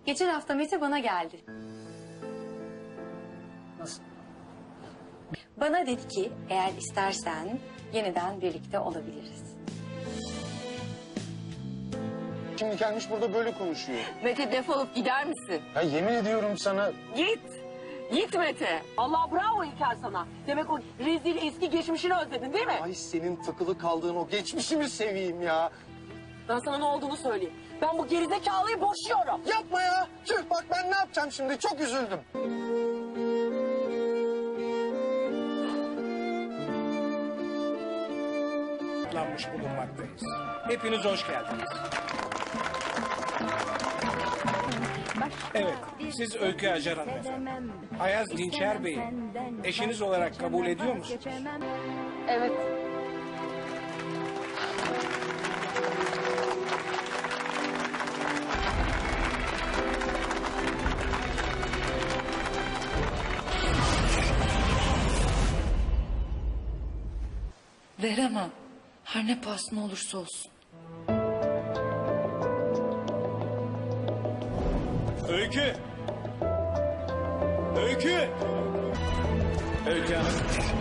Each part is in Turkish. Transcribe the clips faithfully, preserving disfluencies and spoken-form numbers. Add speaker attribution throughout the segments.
Speaker 1: Geçen hafta Mete bana geldi.
Speaker 2: Nasıl?
Speaker 1: Bana dedi ki eğer istersen yeniden birlikte olabiliriz.
Speaker 3: Şimdi gelmiş burada böyle konuşuyor.
Speaker 4: Mete defolup gider misin?
Speaker 3: Ya yemin ediyorum sana.
Speaker 4: Git. Git Mete. Allah bravo İlker sana. Demek o rezil eski geçmişini özledin değil mi?
Speaker 3: Ay senin takılı kaldığın o geçmişimi seveyim ya.
Speaker 4: Ben sana ne olduğunu söyleyeyim. Ben bu gerizekalıyı boşuyorum.
Speaker 3: Yapma ya. Tüh bak ben ne yapacağım şimdi çok üzüldüm.
Speaker 2: Lanmış bulunmaktayız. Hepiniz hoş geldiniz. Evet, siz Öykü Acar hanımefendi. Ayaz Dinçer Bey'i eşiniz olarak kabul ediyor musunuz?
Speaker 4: Evet.
Speaker 5: Veremem. Her ne pahasına olursa olsun.
Speaker 2: Öykü! Öykü! Öykü Hanım.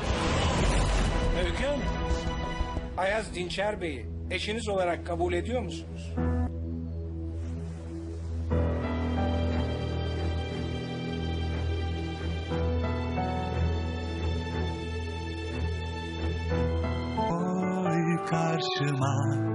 Speaker 2: Öykü Hanım. Ayaz Dinçer Bey'i eşiniz olarak kabul ediyor musunuz?
Speaker 6: Koy karşıma